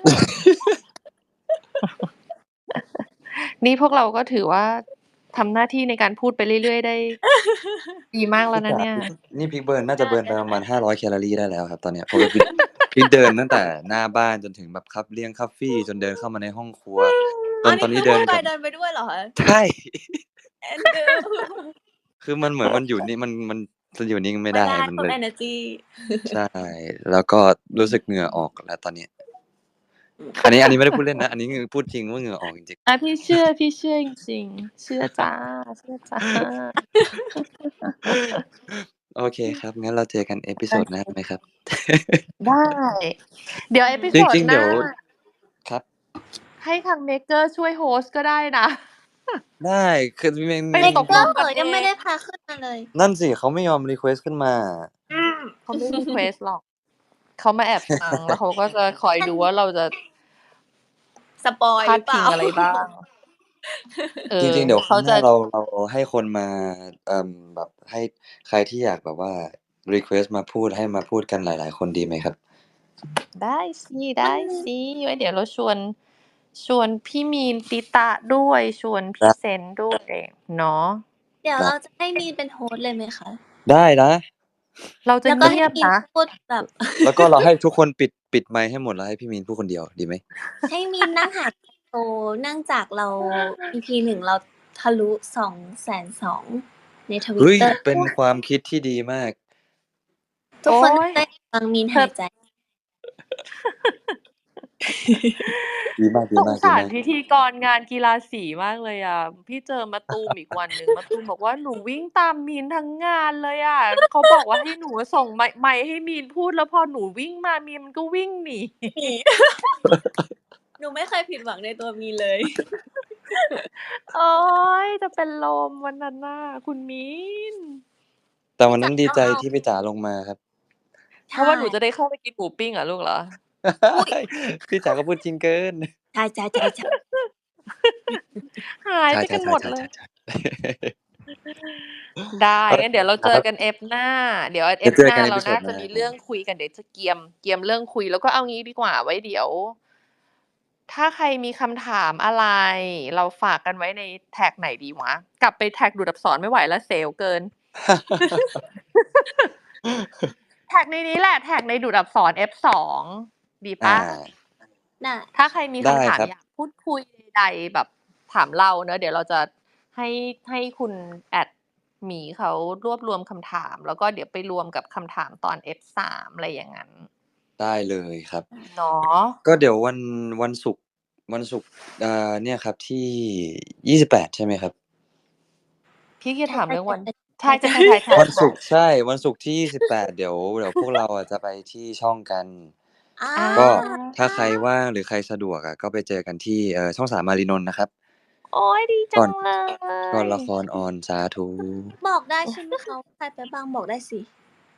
[SPEAKER 2] นี่พวกเราก็ถือว่าทำหน้าที่ในการพูดไปเรื่อย ๆ ได้ ดีมากแล้
[SPEAKER 3] พี่
[SPEAKER 2] วนะ
[SPEAKER 3] จ๋า
[SPEAKER 2] เนี่ย
[SPEAKER 3] นี่พีคเบิร์น น่า
[SPEAKER 1] ได
[SPEAKER 3] จะเบิร์นไป
[SPEAKER 1] ได้
[SPEAKER 3] ประมาณ 500 แคลอรีได้แล้วครับตอนเนี้ย เพราะว่า พีคเดินตั้งแต่หน้าบ้านจนถึงแบบเลี่ยงคัฟฟี่ จนเดินเข้ามาในห้องครัว จ
[SPEAKER 1] อ๋อ
[SPEAKER 3] ต
[SPEAKER 1] นี่
[SPEAKER 3] อน
[SPEAKER 1] ค
[SPEAKER 3] นี้
[SPEAKER 1] ือ
[SPEAKER 3] เดิ
[SPEAKER 1] พู
[SPEAKER 3] น
[SPEAKER 1] ดไป
[SPEAKER 3] กับ
[SPEAKER 1] เดินไปด้วยเหรอคะ?
[SPEAKER 3] ใช่
[SPEAKER 1] เอ็นดู
[SPEAKER 3] คือมันเหมือนมันอยู่นี่ มันจะอยู่นิ่งไม่
[SPEAKER 1] ไม่
[SPEAKER 3] ได้
[SPEAKER 1] ได้
[SPEAKER 3] มัน
[SPEAKER 1] พวก
[SPEAKER 3] เลย
[SPEAKER 1] เอเนอร์จี
[SPEAKER 3] ใช่ แล้วก็รู้สึกเหงื่อออกแล้วตอนนี้ อันนี้ไม่ได้พูดเล่นนะ อันนี้คือพูดจริงว่าเหงื่อออกจริง ๆ
[SPEAKER 2] พี่เชื่อจริง ๆ เชื่อจ้ะ
[SPEAKER 3] โอเคครับ งั้นเราเจอกันเอพิโซดหน้าไหมครับ?
[SPEAKER 2] ได้ เดี๋ยวเอพิ
[SPEAKER 3] จ
[SPEAKER 2] โซด
[SPEAKER 3] ริง ๆ
[SPEAKER 2] ห
[SPEAKER 3] เดี๋
[SPEAKER 2] น้า
[SPEAKER 3] ยว ครับ
[SPEAKER 2] ให้ทางเมกเกอร์ช่วยโฮสต์ก็ได้นะ
[SPEAKER 3] ได้ คือ
[SPEAKER 2] ไป
[SPEAKER 1] เมก
[SPEAKER 2] ตก
[SPEAKER 1] เก
[SPEAKER 2] ล
[SPEAKER 1] อง ร์
[SPEAKER 2] กันเอ
[SPEAKER 1] ยังไม่ได้
[SPEAKER 2] ง
[SPEAKER 1] พาขึ้นมาเลย
[SPEAKER 3] นั่นสิ เขาไม่ยอมรีเควสต์ขึ้นมา
[SPEAKER 2] เขาไม่ รีเควสต์ หรอก เขามาแอบฟัง แล้วเขาก็จะคอยดูว่าเราจะ
[SPEAKER 1] สปอยล์
[SPEAKER 2] พา
[SPEAKER 1] หรือเป
[SPEAKER 2] ดพิ
[SPEAKER 1] ล่า?
[SPEAKER 2] งอะไรบ้าง
[SPEAKER 3] จริง ๆ เดี๋ยวค
[SPEAKER 2] เข
[SPEAKER 3] รั้
[SPEAKER 2] าง
[SPEAKER 3] ห
[SPEAKER 2] จ
[SPEAKER 3] น้าเราให้คนมา แบบให้ใครที่อยากแบบว่ารีเควสต์มาพูด ให้มาพูดกันหลาย ๆ คนดีไหมครับ?
[SPEAKER 2] ได้สิ ไว้เดี๋ยวเราชวนพี่มีน ติตะ ด้วย ชวนพ
[SPEAKER 3] ครี่ ับ
[SPEAKER 2] เซนต์ด้วยเนาะ
[SPEAKER 1] เดี๋ยว
[SPEAKER 3] ได้
[SPEAKER 1] เราจะให้มีนเป็นโฮสต์เลยไหมคะ?
[SPEAKER 3] ได้นะ
[SPEAKER 2] เราจะ
[SPEAKER 1] แล้ว
[SPEAKER 2] เ
[SPEAKER 1] ก็
[SPEAKER 2] งี
[SPEAKER 1] ให้
[SPEAKER 2] ยบ
[SPEAKER 1] มีน
[SPEAKER 2] นะ
[SPEAKER 1] พูดแบบ
[SPEAKER 3] แล้วก็เราให้ทุกคนปิดไมค์ให้หมด แล้วให้พี่มีนพูดคนเดียวดีไหม?
[SPEAKER 1] ให้มีนนั่งหายใจโต เนื่องจากเรา EP 1 เราทะลุ 220,000 ในทวิ
[SPEAKER 3] เฮ้
[SPEAKER 1] ต
[SPEAKER 3] ย
[SPEAKER 1] เตอร์
[SPEAKER 3] เป็นความคิดที่ดีมาก
[SPEAKER 1] ทุก
[SPEAKER 2] โอ๊
[SPEAKER 1] คน
[SPEAKER 2] ย
[SPEAKER 1] ได้ฟังมีน
[SPEAKER 2] เธ
[SPEAKER 1] หา
[SPEAKER 2] อ
[SPEAKER 1] ยใจ
[SPEAKER 3] ดีมาก
[SPEAKER 2] สงสารพิธีกรงานกีฬาสีมากเลยอะ พี่เจอมะตูมอีกวันหนึ่ง มะตูมบอกว่า "หนูวิ่งตามมีนทั้งงานเลยอะ เขาบอกว่าให้หนูอะส่งไมค์ให้มีนพูด แล้วพอหนูวิ่งมา มีนมันก็วิ่งหนี"
[SPEAKER 1] หนี หนูไม่เคยผิดหวังในตัวมีนเลย
[SPEAKER 2] โอ๊ย จะเป็นลมวันนั้นน่ะ คุณมีน
[SPEAKER 3] แต่วันนั้นดีใจ
[SPEAKER 1] พี่จ๋าต้องเอา
[SPEAKER 3] ที่พี่จ๋าลงมาครับ
[SPEAKER 2] เพราะว่าหนูจะได้เข้าไปกินหมูปิ้งเหรอลูกเหรอ?
[SPEAKER 1] อุ๊ย
[SPEAKER 3] พี่จ๋าก็พูดจริงเกิน
[SPEAKER 1] ใช่ ๆ ๆ ๆ
[SPEAKER 2] หาย
[SPEAKER 3] ใช่
[SPEAKER 2] ไปกันหมดเลย
[SPEAKER 3] ๆ ๆ ๆ
[SPEAKER 2] ได้
[SPEAKER 3] โอ
[SPEAKER 2] งั้นเดี๋ยวเราเจอกัน Ep หน้า เดี๋ยว
[SPEAKER 3] เดี๋ยว
[SPEAKER 2] Ep
[SPEAKER 3] เจอ
[SPEAKER 2] หน้า
[SPEAKER 3] กันเอ
[SPEAKER 2] เรา
[SPEAKER 3] พิโซ
[SPEAKER 2] น่า
[SPEAKER 3] ดห
[SPEAKER 2] จะ
[SPEAKER 3] น้า
[SPEAKER 2] มีเรื่องคุยกัน เดี๋ยวจะเกียมเรื่องคุย แล้วก็เอางี้ดีกว่า ไว้เดี๋ยว ถ้าใครมีคำถามอะไร เราฝากกันไว้ในแท็กไหนดีวะ? กลับไปแท็กดูดอักษรไม่ไหวแล้ว เสียวเกิน แท็กในนี้แหละ แท็กในดูดอักษร F2 ดีเป
[SPEAKER 3] อา
[SPEAKER 2] ล่า?
[SPEAKER 1] ได้
[SPEAKER 2] ถ้าใครมี
[SPEAKER 3] ได้
[SPEAKER 2] คำถาม
[SPEAKER 3] ครับ
[SPEAKER 2] อยากพูดคุยใด ๆ แบบถามเราเนาะ เดี๋ยวเราจะให้คุณแอดหมีเขารวบรวมคำถาม แล้วก็เดี๋ยวไปรวมกับคำถามตอน F3 อะไรอย่างงั้น
[SPEAKER 3] ได้เลยครับ
[SPEAKER 2] เนาะ
[SPEAKER 3] ก็เดี๋ยววันศุกร์ เนี่ยครับที่ 28 ใช่ไหมครับ?
[SPEAKER 2] พี่จะถามเรื่องวัน ใช่
[SPEAKER 1] ใช่
[SPEAKER 2] ๆ ๆ
[SPEAKER 3] วันศุกร์
[SPEAKER 2] ๆ
[SPEAKER 3] ใช่ วันศุกร์ที่ 28 เดี๋ยวพวกเราอะจะไปที่ช่องกัน
[SPEAKER 1] อา
[SPEAKER 3] ก็ถ้าใครว่างหรือใครสะดวกอะ ก็ไปเจอกันที่ ช่อง 3 มารีนนท์นะครับ
[SPEAKER 2] โอ๊ย ดีจังเล
[SPEAKER 3] ก่อน
[SPEAKER 2] ย
[SPEAKER 3] ละครออน สาธุ
[SPEAKER 1] บอกได้ใช่ไหมคะว่าใครไปบ้าง บอกได้สิ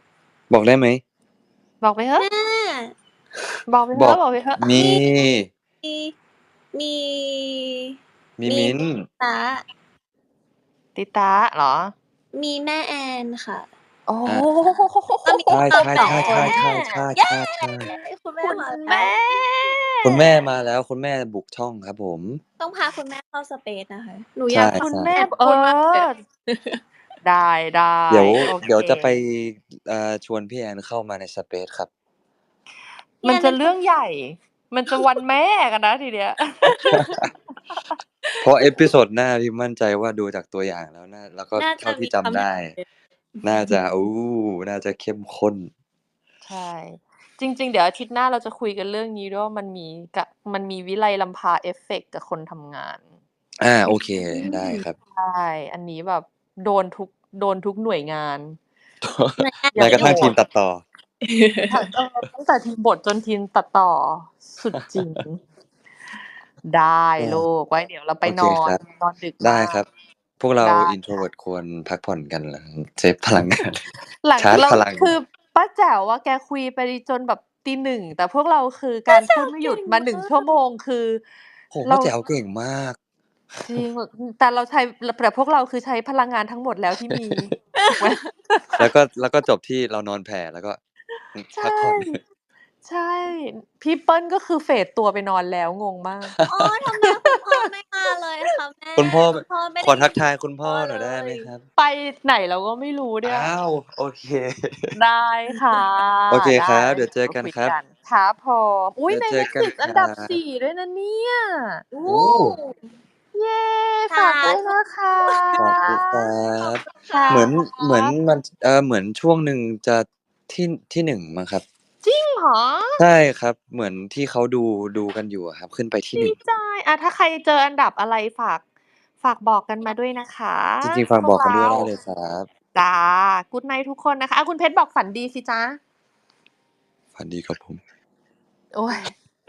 [SPEAKER 3] บอกได้ไหม
[SPEAKER 2] บอกไปเถอะ
[SPEAKER 1] แม่
[SPEAKER 2] บอกไปเถ
[SPEAKER 3] บอ
[SPEAKER 2] อะ
[SPEAKER 3] ก
[SPEAKER 2] บอกไปเถอะ
[SPEAKER 3] มี
[SPEAKER 1] มี
[SPEAKER 3] มิ้น
[SPEAKER 1] ตา
[SPEAKER 2] ติตาเหรอ
[SPEAKER 1] มีแม่แอนค่ะ
[SPEAKER 2] โอ้
[SPEAKER 1] ก็มี
[SPEAKER 3] ใช่
[SPEAKER 1] เรา
[SPEAKER 3] ใช่
[SPEAKER 1] สอง
[SPEAKER 3] ใช่
[SPEAKER 1] คน
[SPEAKER 3] ใช่
[SPEAKER 1] แม่
[SPEAKER 3] ใช่
[SPEAKER 1] เย้
[SPEAKER 3] ใช่ใช่
[SPEAKER 1] คุณแม่
[SPEAKER 2] คุณ
[SPEAKER 1] มา
[SPEAKER 2] แม่
[SPEAKER 3] คุณแม่มาแล้ว คุณแม่บุกช่องครับผม
[SPEAKER 1] ต้องพาคุณแม่เข้าสเปซนะคะ หนู
[SPEAKER 3] ใช่
[SPEAKER 1] อยาก
[SPEAKER 2] คุณ
[SPEAKER 3] ใช่
[SPEAKER 2] แม่
[SPEAKER 1] แอน
[SPEAKER 2] เอ
[SPEAKER 1] พูดมากเลย
[SPEAKER 2] อ ได้
[SPEAKER 3] เดี๋ยว
[SPEAKER 2] โอเค
[SPEAKER 3] เดี๋ยวจะไปชวนพี่แอนเข้ามาในสเปซครับ
[SPEAKER 2] มันจะเรื่องใหญ่ มันจะวันแม่กันนะทีเนี้ย
[SPEAKER 3] เพราะเอพิโซดหน้าพี่มั่นใจว่าดูจากตัวอย่างแล้วแล้วก็
[SPEAKER 1] น่า
[SPEAKER 3] เท่า
[SPEAKER 1] จะ
[SPEAKER 3] ที่
[SPEAKER 1] มี
[SPEAKER 3] จำได้ น่าจะ น่าจะเข้มข้น
[SPEAKER 2] ใช่ จริง ๆ เดี๋ยวอาทิตย์หน้าเราจะคุยกันเรื่องนี้ด้วยว่ามันมีวิไลลำพาเอฟเฟกต์กับคนทำงาน
[SPEAKER 3] โอเค ได้ครับ
[SPEAKER 2] ใช่ อันนี้แบบโดนทุกหน่วยงาน
[SPEAKER 3] แม้กระทั่งทีมตัดต่อ
[SPEAKER 2] ตั้งแต่ทีมบทจนทีมตัดต่อ สุดจริง ได้ลูก ไว้เดี๋ยวเราไป
[SPEAKER 3] โอน เคน ครับ
[SPEAKER 2] นอนดึก
[SPEAKER 3] ได้
[SPEAKER 2] มาก
[SPEAKER 3] ครับ พวกเรา
[SPEAKER 2] ได้
[SPEAKER 3] introvert ควรพักผ่อนกันแล้วเซฟพลังงาน
[SPEAKER 2] หลัง
[SPEAKER 3] ชาร์จ
[SPEAKER 2] เรา
[SPEAKER 3] พลัง
[SPEAKER 2] คือป้าแจ๋วอะแกคุยไปจนแบบตี 1 แต่พวกเราคือการพูดไม่หยุดมา 1 ชั่วโมง คือ
[SPEAKER 3] โอ้โฮ
[SPEAKER 2] เรา
[SPEAKER 3] ป้าแจ๋วเก่งมาก
[SPEAKER 2] จริง แต่พวกเราคือใช้พลังงานทั้งหมดแล้วที่มี ถูกไหม
[SPEAKER 3] แล้วก็จบที่เรานอนแผ่แล้วก็
[SPEAKER 2] ใช
[SPEAKER 3] พัก่ ผ่อน
[SPEAKER 2] ใช่ พี่เปิ้ลก็คือเฟดตัวไปนอนแล้วงงมาก
[SPEAKER 1] อ๋อ ทำไมคุณพ่อไม่มาเลยคะแม่
[SPEAKER 3] คุณพ่อ
[SPEAKER 1] คุณพ่อไม่
[SPEAKER 3] ขอ
[SPEAKER 1] ได้
[SPEAKER 3] ทักทายคุณพ่อ
[SPEAKER 1] พ่อ
[SPEAKER 3] หน่อยได้ไหม
[SPEAKER 1] เลย
[SPEAKER 3] ครับ
[SPEAKER 2] ไปไหนเราก็ไม่รู้เนี่ย
[SPEAKER 3] อ้าว โอเค
[SPEAKER 2] ได้ค่ะ
[SPEAKER 3] โอเคครับ
[SPEAKER 2] ได้
[SPEAKER 3] เดี๋ยวเจอกัน
[SPEAKER 2] คุย
[SPEAKER 3] ครับ
[SPEAKER 2] ครับผม อุ๊ย
[SPEAKER 3] เดี๋
[SPEAKER 2] ใน
[SPEAKER 3] ยวเจอกัน
[SPEAKER 2] Netflix อันดับ
[SPEAKER 3] ครับ
[SPEAKER 2] 4 ด้วยนะเนี่ย
[SPEAKER 1] โอ้
[SPEAKER 3] โอ้
[SPEAKER 2] เย้
[SPEAKER 1] สา
[SPEAKER 2] ฝากด้วย
[SPEAKER 1] ธุ
[SPEAKER 2] นะคะ
[SPEAKER 3] สาธุครั
[SPEAKER 1] ขอ
[SPEAKER 3] บบ
[SPEAKER 1] คุณค่ะ
[SPEAKER 3] เหมือนมันเหมือนช่วงหนึ่งจะที่ 1 มั้งครับ
[SPEAKER 2] จริงเหรอ?
[SPEAKER 3] ใช่ครับ เหมือนที่เขาดูกันอยู่อะครับ ขึ้นไปที่
[SPEAKER 2] ดี
[SPEAKER 3] 1
[SPEAKER 2] ใจ ถ้าใครเจออันดับอะไรฝากบอกกันมาด้วยนะคะ
[SPEAKER 3] จริง ๆ ฝากบอกกันด้วยได้เลยครับ
[SPEAKER 2] จ้ะ Good night ทุกคนนะคะ คุณเพชรบอกฝันดีสิจ๊ะ
[SPEAKER 3] ฝันดีครับผม
[SPEAKER 2] โอ๊ย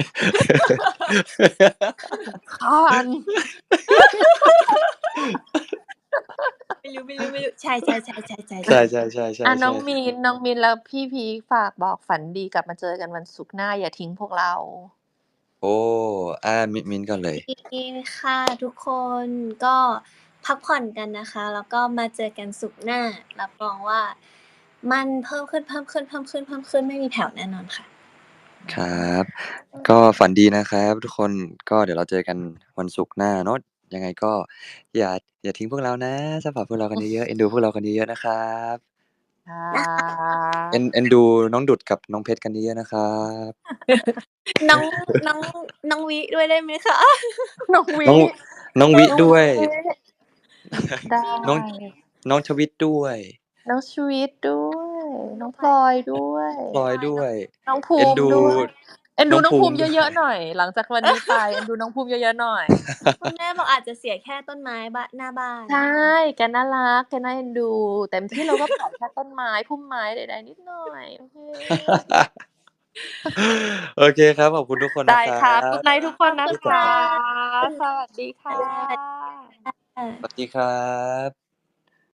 [SPEAKER 2] คัน
[SPEAKER 1] ไม่รู้ ใช่ ๆ ๆ ๆ
[SPEAKER 3] ใช่ ๆ ๆ
[SPEAKER 2] น้อง
[SPEAKER 3] ๆ
[SPEAKER 2] มินแล้วพี่พีคฝากบอกฝันดีกลับมาเจอกันวันศุกร์หน้าอย่าทิ้งพวกเรา
[SPEAKER 3] โอ้ มิ้นก่อนเลย
[SPEAKER 1] ดีค่ะทุกคน ก็พักผ่อนกันนะคะ แล้วก็มาเจอกันศุกร์หน้า รับรองว่ามันเพิ่มขึ้น ไม่มีแผ่วแน่นอนค่ะ
[SPEAKER 3] ครับ ก็ฝันดีนะครับทุกคน ก็เดี๋ยวเราเจอกันวันศุกร์หน้าเนาะ ยังไงก็อย่าทิ้งพวกเรานะ ซัปพอร์ตพวกเรากันเยอะๆ เอ็นดูพวกเรากันเยอะๆ นะครับ
[SPEAKER 2] ค่ะ
[SPEAKER 3] เอ็นดูน้องดุดกับน้องเพชรกันเยอะๆ นะครับ
[SPEAKER 1] น้องวิด้วยได้ไหมคะ
[SPEAKER 2] น้องวิ
[SPEAKER 3] น้องวิด้วย
[SPEAKER 2] ได้
[SPEAKER 3] น้องชวิตด้วย
[SPEAKER 2] น้องชวิตด้วย น้องพลอยด้วย น้องภู
[SPEAKER 3] เอ็น
[SPEAKER 2] มิ
[SPEAKER 3] ดู
[SPEAKER 2] ด้วย เอ็นดูน้องภูมิ
[SPEAKER 3] ด้วย
[SPEAKER 2] เยอะๆหน่อย หลังจากวันนี้ไป เอ็นดูน้องภูมิเยอะๆหน่อย
[SPEAKER 1] คุณแม่บอกอาจจะเสียแค่ต้นไม้หน้าบ้าน
[SPEAKER 2] ใช่ แกน่ารัก แกน่าเอ็นดู เต็มที่เราก็ปล่อยแค่ต้นไม้ พุ่มไม้ใดๆนิดหน่อย โอเค
[SPEAKER 3] โอเคครับ ขอบคุณทุกคน
[SPEAKER 2] ได้
[SPEAKER 3] นะค
[SPEAKER 2] ครั
[SPEAKER 3] รับ
[SPEAKER 2] Good night ทุกคนนะ
[SPEAKER 1] ขอบคุณ
[SPEAKER 2] คะ
[SPEAKER 1] ค่ะ
[SPEAKER 2] สวัสดีค่ะ
[SPEAKER 3] สวัสดีครับ